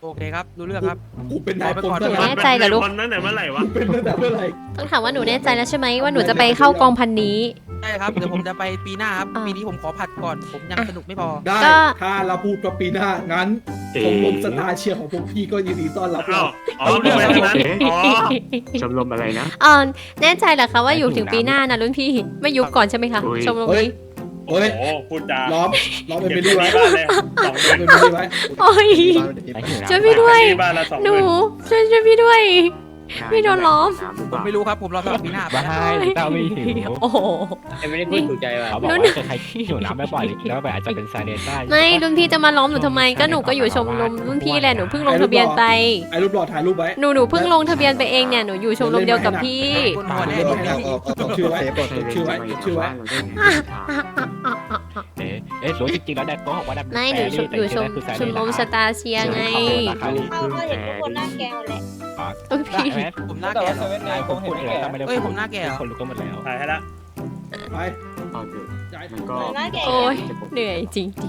โอเคครับรู้เรื่องครับกูเป็นนายพลหนูแน่ใจเหรอลูกมันตั้งแต่เมื่อไหร่วะเป็นตั้งแต่เมื่อไหร่ต้องถามว่าหนูแน่ใจแล้วใช่ไหมว่าหนูจะไปเข้ากองพันนี้ใช่ครับเดี๋ยวผมจะไปปีหน้าครับอ่าปีนี้ผมขอผัดก่อนผมยังสนุกไม่พอได้ก็ถ้าเราพูดว่าปีหน้างั้นชมรมสตาร์เชียร์ของพวกพี่ก็ยินดีต้อนรับอ้าเราวอ๋อเป็นแบบนั้นอ๋อชมรมอะไรนะแน่ใจเหรอคะว่าอยู่ถึงปีหน้านะรุ่นพี่ไม่ยุบก่อนใช่ไหมคะอุ๊ยชมรมเฮ้ยนี้เฮ้ยโอ้พูดจาล้อมเป็นไปดีไว้บ้านเลยสองเดืล้ออมนเป็นไปดีไว้โอ้ย ช่วยพี่ด้วยบ้านละสองหนูเดือนช่วยพี่ด้วย พี่โดนล้อมผมไม่รู้ครับผมรอสำหรับปีหน้าไปบ้านะเต้าไม่หิวโอ้โหไม่ได้พูดถูกใจว่ะเขาบอกว่าใครที่หิวน้ำไม่ปล่อยแล้วแบบอาจจะเป็นไซเรนได้ไม่รุ่นพี่จะมาล้อมหนูทำไมก็หนูก็อยู่ชมรมรุ่นพี่แหละหนูเพิ่งลงทะเบียนไปไอ้รูปหล่อถ่ายรูปไว้หนูเพิ่งลงทะเบียนไปเองเนี่ยหนูอยู่ชมรมเดียวกับพี่คนหัวแน่เล่นคนไม่นี้ได้จดชื่อไว้จดชื่อไว้จดชื่อไว้รู้จริงๆแล้วแดกโก้บอกว่าแดกไม่หนูอยู่ชมรมสตาร์เชียร์ไงเอาก็เห็นทุกคนหน้าแกหมดแหละโอ้ยพี่ผมหน้าแก่เหรอนายผมพูดเลยแต่ไม่ได้เอ้ยผมหน้าแก่เหรอคนรู้ก็หมดแล้วถ่ายให้ละไปเอาเถอะย้ายมันก็โอ้ยเหนื่อยจริง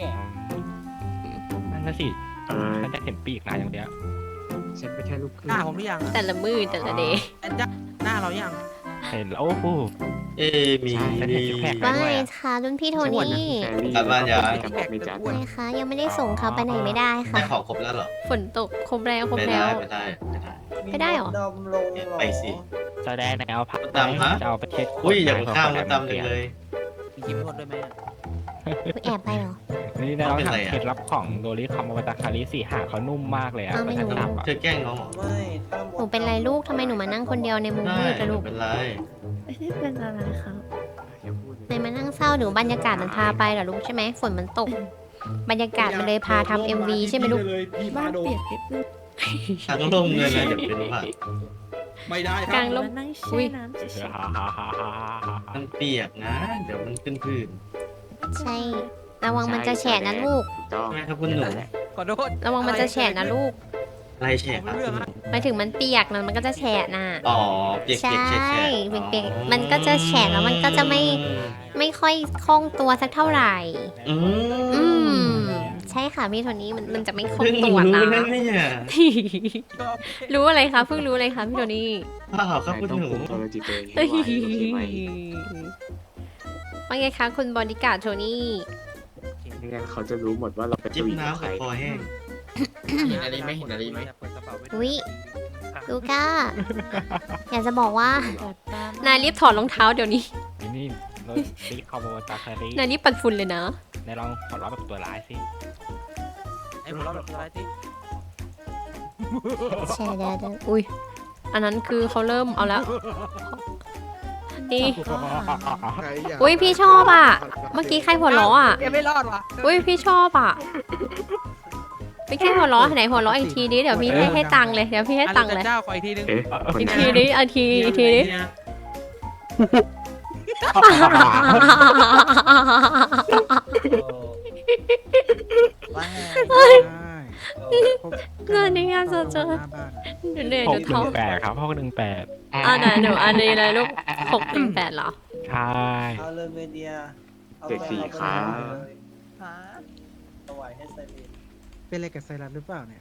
นั่นน่ะสิเออฉันจะเห็นปีกนายอย่างเดียวฉันก็แค่ลูกครึ่หงน้าผมหรือยังๆแต่ละมือแต่ละเดย์แอนจ้าหน้าเรายังเห็นแล้วโอ้โหมีฉันเห็นซิกแพคว่าไงคะรุ่นพี่โทนี่กลับบ้านยังไม่จัดไงคะยังไม่ได้ส่งเขาไปไหนไม่ได้ค่ะได้ของครบแล้วเหรอฝนตกครบแล้วครบไม่แล้ได้วไม่ได้ไม่ได้ไม่ได้เหรอไปสิแสดงในเอาพักตามฮะจะเอาประเทศอุ้ยอย่าข้ามมาตามเลยมีคลิปโทษด้วยไหมอะแอบไปเหรอนี่เราถามเคล็ดลับของโดริคอมอวตารคาริสี่หางเขานุ่มมากเลยอ่ะอ้าวไม่รู้ฉันทำอ่ะเธอแกล้งน้องเหรอหนูเป็นไรลูกทำไมหนูมานั่งคนเดียวในมุมได้มืดอะไม่ลูกเป็นไรไม่ได้เป็นอะไรครับไหนมานั่งเศร้าหนูบรรยากาศมันพาไปเหรอลูกใช่ไหมฝนมันตก บรรยากาศมันเลยพาทำ MV ใช่ไหมลูกพี่บ้าพาน โดเปียกนิดนึงทางลงเลยนะเดี๋ยวเป็นผักไม่ได้คกรัลาบงลมมานั่งอุ๊แช่ยน้ำเฉยมันเปียกนะ เดี๋ยวมันขึ้นพื้นใช่ระวังมันจะแฉะนะลูกๆต้องใช่ไหมครับคุณหนูขอโทษระวังมันจะแฉะนะลูกอะไรแฉะครับคุณหนูหมายถึงมันเปียกนะมันก็จะแฉะน่ะอ๋อเปียกใช่เปียกแฉะเปียกๆมันก็จะแฉะแล้วมันก็จะไม่ค่อยคล่องตัวสักเท่าไหร่อือืมมใช่ค่ะพี่โทนี้มันจะไม่คล่องเพิ่งตัวรู้นะนะเนี่ยรู้อะไรคะเพิ่งรู้อะไรคะพี่โทนี่เปล่าครับคุณต้องหนูคุมตัวจิตตัวเองเฮ้ยให้ไว้โอเคไหมว่าไงคะคุณบอดี้การ์ดโทนี่ไม่งั้นเขาจะรู้หมดว่าเราเป็นจิ้มผู้หญิงน้ำใครกับคอแห้งเห็นอะไรไหมเห็นอะไรไหมเปิดกระเป๋าไว้อุ๊ย ลูก้า อยากจะบอกว่าแบบตามนายรีบถอดรองเท้าเดี๋ยวนี้นี่โดริคอมอวตารคารินายรีบปัดฝุ่นเลยนะในลองขอร้องแบบตัวร้ายสิไอ้ผมเราแบบอะไรที่แชร์ได้อุ้ย อันนั้นคือเขาเริ่มเอาแล้ว นี่ อุ้ยพี่ชอบอ่ะ เมื่อกี้ใครหัวเราะอ่ะยังไม่รอดว่ะอุ้ยพี่ชอบอ่ะ ไม่ใช่หัวเราะไหนหัวเราะอีกทีนี้เดี๋ยวพี่ให้ตังค์เลย เดี๋ยวพี่ให้ตังค์เลยเจ้าขออีกทีนึงเอ๊ะคนอีกไหนทีนี้อีกทีนี้ เงินในงานเจอเดี๋ยวเหนื่อยหเดี๋กยวหท้อนึ่งงแปดครับ618 อ่าไหนหนูอันนี้เลยลูก618เหรอใช่เอาเลยเมเดียเจ็ดสี่ครับถวายให้ไซเรนเป็นอะไรกับไซรัสหรือเปล่าเนี่ย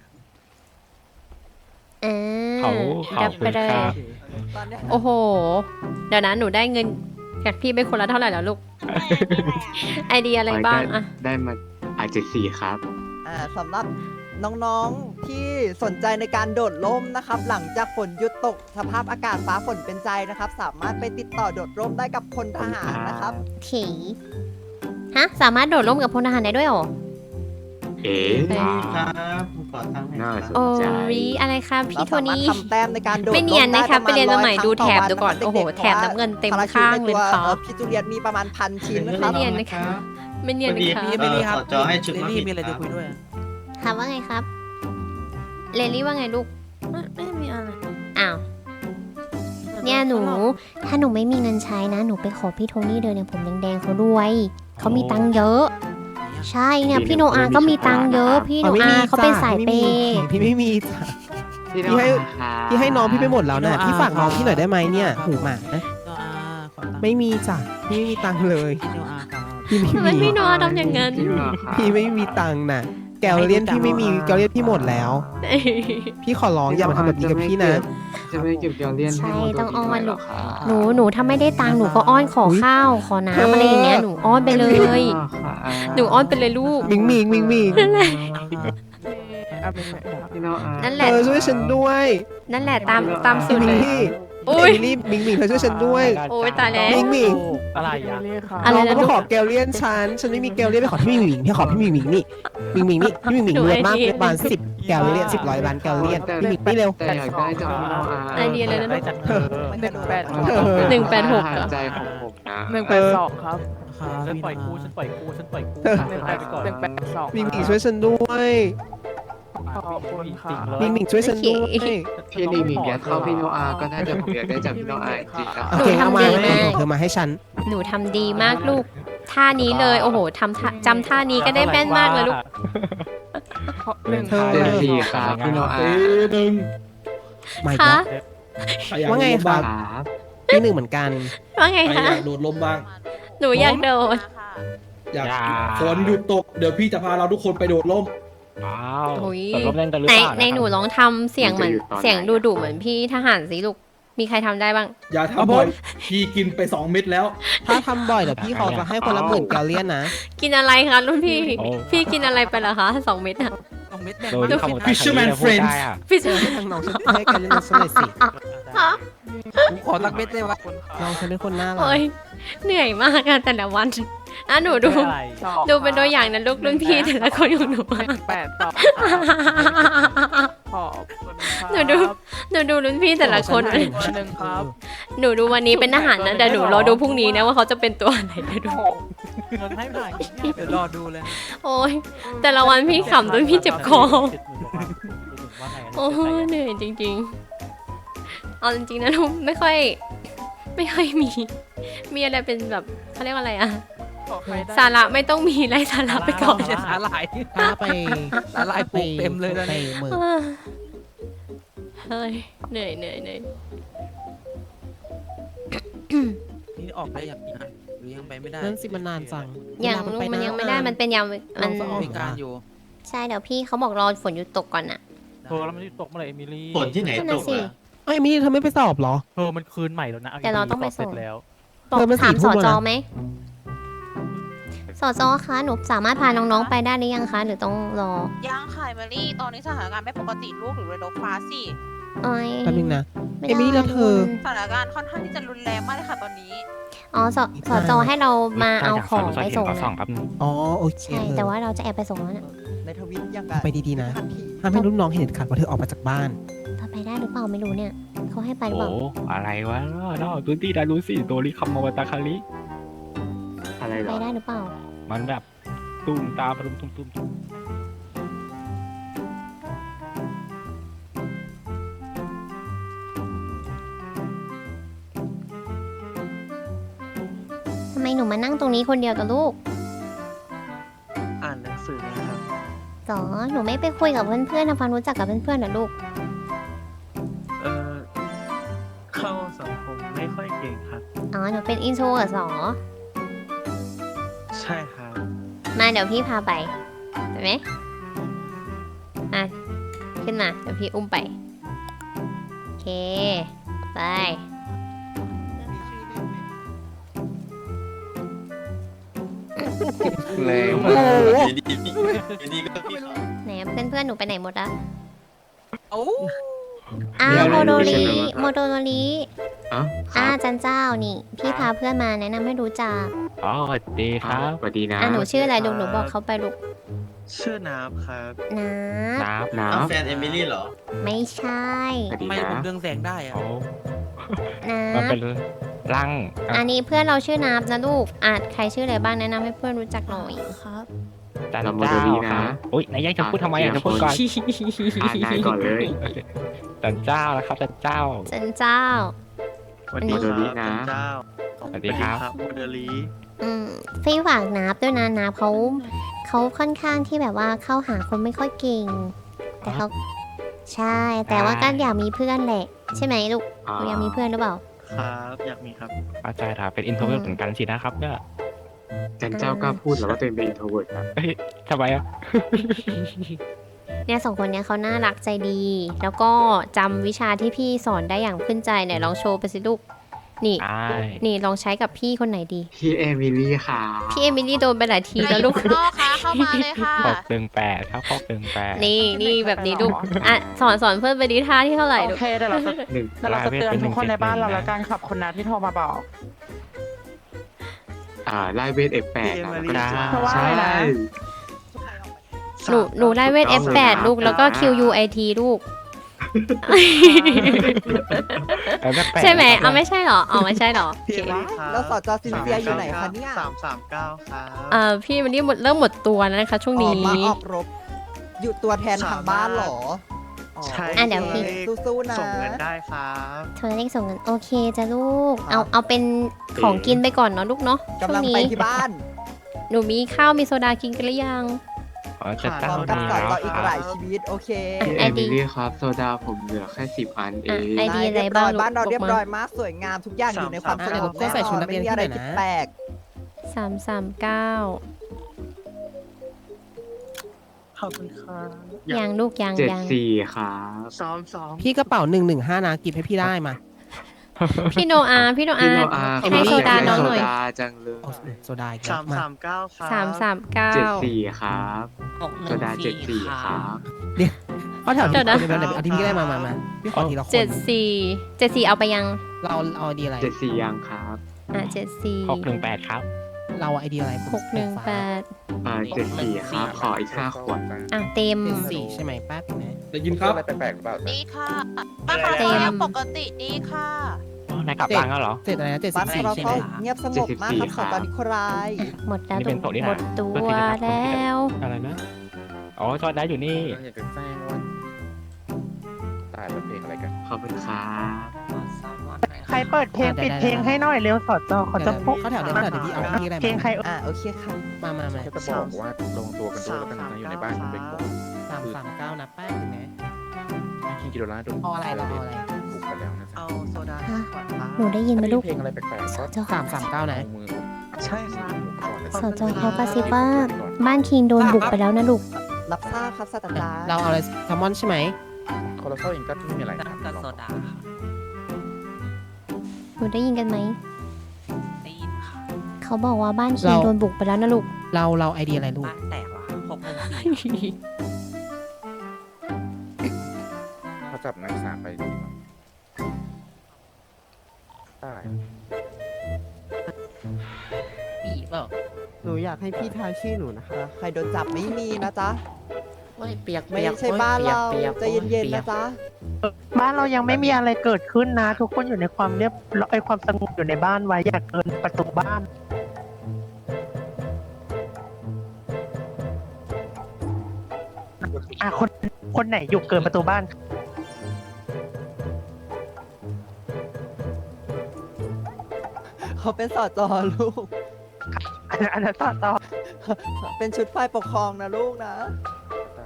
เขาขอบคุณครับตอนเนี้ยโอ้โห เดี๋ยวนะหนูได้เงินจากพี่ไปคนละเท่าไหร่แล้วลูก ไอเดียอะไรบ้างอะได้มา74ครับสำหรับน้องๆที่สนใจในการโดดร่มนะครับ หลังจากฝนหยุดตกสภาพอากาศฟ้าฝนเป็นใจนะครับ สามารถไปติดต่อโดดร่มได้กับพลทหารนะครับถีฮะ สามารถโดดร่มกับพลทหารได้ด้วยเหรอเอ๊ะครับผมขอตั้งค์หน่น่าอยสครับนโอ้ใจยอะไรครับพี่โทเราสามารถนี่ทำแต้มในการโดดร่ไม่เนียนนะครับด้ไปเรียนมาใหม่ประาณดูแถบ 100 ดูก่อนครั้งโอ้โหด็กๆแถบน้ำเงินเต็มพระข้างเลยตัวครับพี่จูเลียตมีประมาณ1,000 ชิ้นนะครับไม่เนียนนะครับ ไม่เนียนนะครับพี่ไม่รีครับขอจอให้ชุดเรมาลี่ผิดมีอะไรคจะรับคุยด้วยครับว่าไงครับ เลลี่ว่าไงลูกไม่มีอะไรอ้าว เนี่ยหนู ถ้าหนูไม่มีเงินใช้นะ หนูไปขอพี่โทนี่เดินเนี่ยผมแดงๆเขาด้วย เขามีตังค์เยอะ ใช่เนี่ยพี่โนอาก็มีตังค์เยอะ พี่โนอาเขาเป็นสายเปย์พี่ไม่มีจ้ะพี่พี่ให้น้องพี่ไปหมดแล้วนะพี่ฝากน้องพี่หน่อยได้ไหมเนี่ยหูหมานะโนอาขอตังค์ไม่มีจ้ะพี่ไม่มีตังค์เลยพี่โนอาครับพี่ไม่ทำไมมีพี่โนอาทำอย่างนั้นจริงเหรอครับพี่ไม่มีตังค์นะแกลเลียนพี่ไม่มีแกลเลียนพี่หมดแล้ว พี่ขอร้องอย่ามาทำแบบนี้กับพี่นะจะไม่เก็บแกลเลียนใช่ให้โมโดต้องอ้อนริลูกด้วยเหรครับหนูถ้าไม่ได้ตังค์หนูก็อ้อนขอข้าวขอน้ำอะไรอย่างเงี้ยหนูอ้อนไปเลย หนูอ้อนไปเลยลูกมิงมิงมิงมิงพี่โนอานั่นแหเธละอช่วยฉันด้วยนั่นแหละตามสูตรเลยพี่อุ้ยเอมิลี่มิงมิงเธอช่วยฉันด้วยโอ้ยตายแล้วมิงมิงอะไรอ่ะอะไรน้องนะก็ลูกขอแกลเลียนฉันไม่มีแกลเลียนไปขอพี่มิงมิงพี่ขอพี่มิงมิงนี่มิงมิงนี่พี่มิงมิงหนูรวยมากไอเดียประมาณ10แกลเลียน10 ล้านแกลเลียนพี่มิงนี่เร็วแต่อยากได้จากพี่โนอาไอเดียเลยนะลูกมัน 186 เป็นอาหารใจของผมนะ 182 ครับฉันปล่อยกูฉันปล่อยกูฉันปล่อยกูเออให้ไปก่อนมิงมิงช่วยฉันด้วยขอบคุณค่ะมิงมิงช่วยฉันด้วยพี่หนิงหนิงอยากเข้าพี่โนอาก็น่าจะผมอยากได้จากพี่โนอาจริงๆนะโอเคเอามาเธอมาให้ฉันหนูทำดีมากลูก ท่านี้เลย โอ้โหจำท่านี้ก็ได้แม่นมากเลยลูกเธอเต็มที่ครับพี่โนอาตีหนึ่งมาอีกคะแล้วใครอยากว่าไงโดดร่มครับ้างบ ที่หนึ่งเหมือนกันว่าไงใครคะอยากโดดร่มบ้างหนูอยากโดดอยากฝนหยุดตกเดี๋ยวพี่จะพาเราทุกคนไปโดดร่มว้าวโอ้ยตกลงเล่นกันหรือในเปล่าในหนูลองทำเสียงเหมือนเสียงดุๆเหมือนพี่ทหารสิลูก มีใครทำได้บ้างอย่าทำบ่อยพี่กินไป2 เม็ดแล้วถ้าทำบ่อยเดี๋ยวพี่ขอจะให้คนละ10,000แกลเลียนนะกินอะไรคะรุ่นพี่ พี่กินอะไรไปเหรอคะ2 เม็ดอะ 2 เม็ดแบ่งโดมานขโมย Fisherman Friends พี่เออให้ทางน้องฉันให้แกลเลียนฉันหน่อยสิผมขอตักเม็ดได้ไหมน้องฉันเป็นคนน่ารักโอ้ยเหนื่อยมากอะแต่ละวันอ่ะหนูดูเป็นตัวอย่างนะลูกรุ่นพี่แต่ละคนของหนู หนูดูรุ่นพี่แต่ละคน หนูดูวันนี้เป็นทหารนะแต่หนูรอดูพรุ่งนี้นะว่าเขาจะเป็นตัวอะไรเดี๋ยวดูเงินให้ผ่านเดี๋ยวรอดูเลยโอ้ยแต่ละวันพี่ขำจนพี่เจ็บคอโอ้ยเหนื่อยจริงๆเอาจริงๆนะลูกไม่ค่อยมีอะไรเป็นแบบเขาเรียกว่าอะไรอะสาระไม่ต้องมีไร้สาระไปก่อนไม่ใช่สาหร่ายถ้าไปสาหร่ายปลูกเต็มเลยตอนไปนี้เมืองเฮ้ยเหนื่อยนี่ออกได้อย่างนี้หรือยังไปไม่ได้นั่นสิมันนานจังยังลูกมันยังไม่ได้มันเป็นยังมันมีการอยู่ใช่เดี๋ยวพี่เขาบอกรอฝนหยุดตกก่อนอะเธอแล้วมันจะตกเมื่อไหร่เอมิลี่ฝนที่ไหนนั่นตน่ะกสิอะเอ้ยมี่เธอไม่ไปสอบเหรอเธอมันคืนใหม่แล้วนะแต่เราต้องไปส่งสบเสร็จแล้วบอกเธอมันถาม 4 สทุ่มจแล้วนะไหมสจคะหนูสามารถพาน้องๆไปได้หรือยังคะหรือต้องรอยังค่ะเมลี่ตอนนี้สถานการณ์ไม่ปกติลูกหรือเรดอฟ้าสิเอ้ยแป๊บนึงนะไม่เอมิลี่แล้วเธอสถานการณ์ค่อนข้างที่จะรุนแรงมากเลยค่ะตอนนี้อ๋อสจให้เรามาเอาของไปส่งก่อสองนะแป๊บนึงอ๋อโอเคใช่แต่ว่าเราจะแอบไปส่งแล้วเนี่ยในทวิตยังไปดีๆนะห้ามให้รุ่นน้องเห็นเด็ดขาดว่าเธอออกมาจากบ้านเราไปได้หรือเปล่าไม่รู้เนี่ยเขาให้ไปหรือเปโอ้ล่าอะไรวะนอกพื้นที่ดารุสิโตริคัมมาวตาคาริอะไรเหรไปอได้หรือเปล่ามันแบบตุ้มตามตุ้มทำไมหนูมานั่งตรงนี้คนเดียวกับลูกอ่านหนังสือนะครับสอหนูไม่ไปคุยกับเพื่อนๆทำความรู้จักกับเพื่อนๆเหรอลูกเข้าสังคมไม่ค่อยเก่งครับอ๋อหนูเป็นอินโทรเหรอสอใช่ครับมาเดี๋ยวพี่พาไปไปไหมอ่ะขึ้นมาเดี๋ยวพี่อุ้มไปโอเคไปแรงโอ้โหดีก็พี่เขาไหนเพื่อนๆหนูไปไหนหมดละโอ้อ้าวโมโดริโมโดริอ๋อคอ่ารับจันเจ้านี่ พี่พาเพื่อนมาแนะนำให้รู้จักอ๋อสวัสดีครับสวัสดีนะอ่ะหนูชื่ออะไรลูกหนูบอกเขาไปลูกชื่อน้ำครับนะน้ำน้แฟนเอมิลี่เหรอไม่ใช่ำสวัสดีทำไมนะผมเรืองแสงได้อะโอ้นะมันเป็นร่างอันนี้เพื่อนเราชื่อนับนะลูกอ่ะใครชื่ออะไรบ้างแนะนำให้เพื่อนรู้จักหน่อยครับจันเราโมเจ้าเดลีคนะรับอุ้ยนายยังจะพูดทำไมอ่ะจะพูดก่อนนายก่อนเลยจันเจ้านะครับจันเจ้าจันเจ้าสวัสดีโมเดลีครับนะเจ้าสวัสดีครับโมเดลีพี่ฝากนับด้วยนะนับเขาค่อนข้างที่แบบว่าเข้าหาคนไม่ค่อยเก่ง แต่เขาใช่ แต่ว่าก็อยากมีเพื่อนแหละ ใช่ไหมลูกหนูอยากมีเพื่อนหรือเปล่าครับอยากมีครับเข้าใจครับเป็นอินโทรเวิร์ตเหมือนกันสินะครับเนี่ยจันเจ้ากล้าพูดแล้วว่าตัวเองเป็นอินโทรเวิร์ดครับทำไมอ่ะเนี่ยสองคนเนี้ยเขาน่ารักใจดี แล้วก็จำวิชาที่พี่สอนได้อย่างขึ้นใจเนี่ยลองโชว์ไปสิลูกนี่ใช่นี่ลองใช้กับพี่คนไหนดีพี่เอมิลี่ค่ะพี่เอมิลี่โดนไปหลายทีแล้วลูกข้างนอกค่ะเข้ามาเลยค่ะ 618ครับ618 นี่แบบนี้ลูกอ่ะสอนเพื่อนไปดีท่าที่เท่าไหร่โอลูกเคเดี๋ยวเราจะหนึ่งเดี๋ยวเราจะเตือนทุกคนในบ้านเราแล้วกันขอบคุณนะที่โทรมาบอกไล่เวท F8 นะแล้วก็เพราะว่าอะไรนะหนูได้เวท F8 ลูกแล้วก็ QUIT ลูก ใช่ไหมเอาไม่ใช่เหรอเอาไม่ใช่เหรอแล้วสจซินเซียอยู่ไหนคะเนี่ย 339ครับพี่วันนี้เริ่มหมดตัวแล้วนะคะช่วงอนี้อกมาออกรบ อยู่ตัวแทนทางบ้านเหรอใช่เดี๋ยวพี่สู้ๆนะส่งเงินได้ครับเธอเลขส่งเงินโอเคจ้ะลูกเอาเป็นของกินไปก่อนเนาะลูกเนาะช่วกำงลังนี้ไปที่บ้านหนูมีข้าวมีโซดากินกันหรือยังจะพตั้งร้อมกับนี่สอนแล้วต่ออีกคหรัลาบยชีวิตโอเคพี่เอมิลี่ครับโซดาผมเหลือแค่10 อันเองไอดีอะไรเรียบบ้าร้งอยลูกบ้านเราบเรีอย กบมาร้อยมากสวยงามทุกอย่างอยู่ในความสงบก็ใส่ชุดนักเรียนไม่มีอะไรที่ผิดไหนนะแปลก 339 ขอบคุณครับยังลูกยัง 74ครับพี่กระเป๋า115นะกิฟให้พี่ได้มาพี่โนอาพี่โนพี่อาโนอาให้โซดาน้องหน่อยโซดาจังเลยเอาโซดาอีกแล้วมา 339 74ครับโซดา74ครับเขาแถวเดี๋ยวนะเอาที่พี่ได้มาพี่ขอทีละคน 74เอาไปยังเราเอาไอเดียอะไร 74ยังครับ 74 618ครับเราไอเดียอะไร 618 74ครับขออีก5 ขวดเต็มสี่ใช่ไหมแป๊บนึงนะได้ยินครับดีค่ะบ้านเราก็ยังปกติดีค่ะนายกลับบ้านแล้วเหรอเจ็ดอะไรนะๆบ้าน 74 เราใช่ไหก็มเงียบสงบมากครับสอนตอนนิโคลายหมดแล้วนี่เป็นโต๊ะนี่นะหมดตัวแล้วอะไรนะ อ๋อจอดได้อยู่นี่อยากจะแจ้งว่าตายแล้วเพลงอะไรกันขอบคุณครับใครเปิดเพลงปิดเพลงให้หน่อยเร็วสอดจอเขาจะปุ๊บเขาแถวเดี๋ยวพี่เอาพี่อะไรเพลงใครโอเคค่ะมาแค่จะบอกว่าลงตัวกันด้วยแล้วกันนะอยู่ในบ้านคุณเบงบอก 339นะแป๊บนึงนะคิงกิโดล่าโดนเอาอะไรเราเอาอะไรบุกไปแล้วนะจ๊ะเอาโซดาหนูได้ยินไหมลูกเพลงอะไรแปลกๆก็เจ้า 339นะมือใช่ครับสจเขากระซิบว่าบ้านคิงโดนบุกไปแล้วนะลูกรับทราบครับศาสตราจารย์เราเอาอะไรแซลมอนใช่ไหมคอร์เซลเองก็ไม่มีอะไรครับหนูได้ยินกันไหมเขาบอกว่าบ้านคิงโดนบุกไปแล้วนะลูกเราไอเดียอะไรลูกเขาจับนักศึกษาไปดีกว่าได้หนูอยากให้พี่ทายชื่อหนูนะคะ ใครโดนจับไม่มีนะจ๊ะเปียกไม่ใช่บ้านเราใจเย็นๆนะจ๊ะบ้านเรายังไม่มีอะไรเกิดขึ้นนะ ทุกคนอยู่ในความเรียบร้อยความสงบอยู่ในบ้านไว้อย่าเกินประตูบ้านคนไหนอยู่เกินประตูบ้านเขาเป็นสอจอลูกอันนั้นต่อเป็นชุดฝ่ายปกครองนะลูกนะได้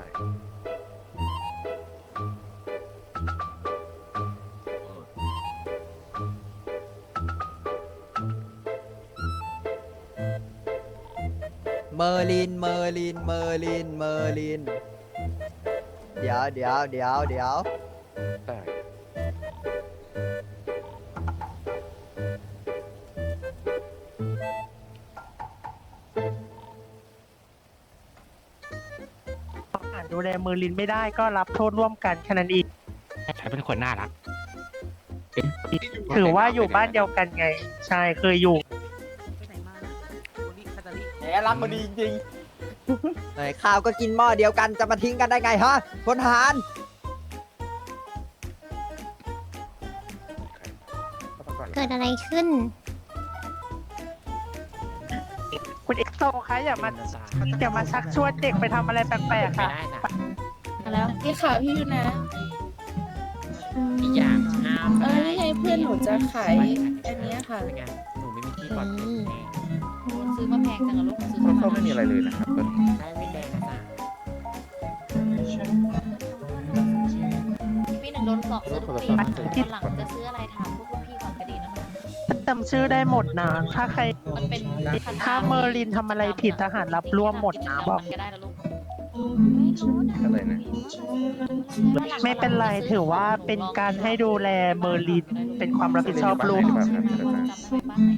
เมอร์ลิน เดี๋ยวได้ดูแลมือลินไม่ได้ก็รับโทษร่วมกันแค่นั้นเองใช้เป็นคนน่ารักถือว่าอยู่บ้านเดียวกันไง ใช่เคยอยู่แหมรักมาดีจริงๆไหนข้าวก็กินหม้อเดียวกันจะมาทิ้งกันได้ไงฮะพลทหารเกิดอะไรขึ้นคุณเอ็กโซคะอย่ามาชักชวนเด็กไปทำอะไรแปลกๆค่ะแล้วพี่ค่ะพี่อยู่นะอย่างนี่ไงเพื่อนหนูจะขายอันเนี้ยค่ะหนูไม่มีที่ปลอดภัยซื้อมาแพงจังอะลูกซื้อคอร์เซลไม่มีอะไรเลยนะครับตอนนี้ได้ไม่แดงนะจ๊ะพี่หนึ่งโดนสอบโทรศัพท์หลังจะซื้ออะไรถามพวกพี่ก่อนก็ดีนะคะแต่ำชื่อได้หมดนะถ้าใครมันเป็นถ้าเมอร์ลินทำอะไรผิดทหารรับร่วมหมดนะบอกก็ได้นะลูกอะไรนะไม่เป็นไรถือว่าเป็นการให้ดูแลเมอร์ลินเป็นความรับผิดชอบร่วมจำได้บ้านไหน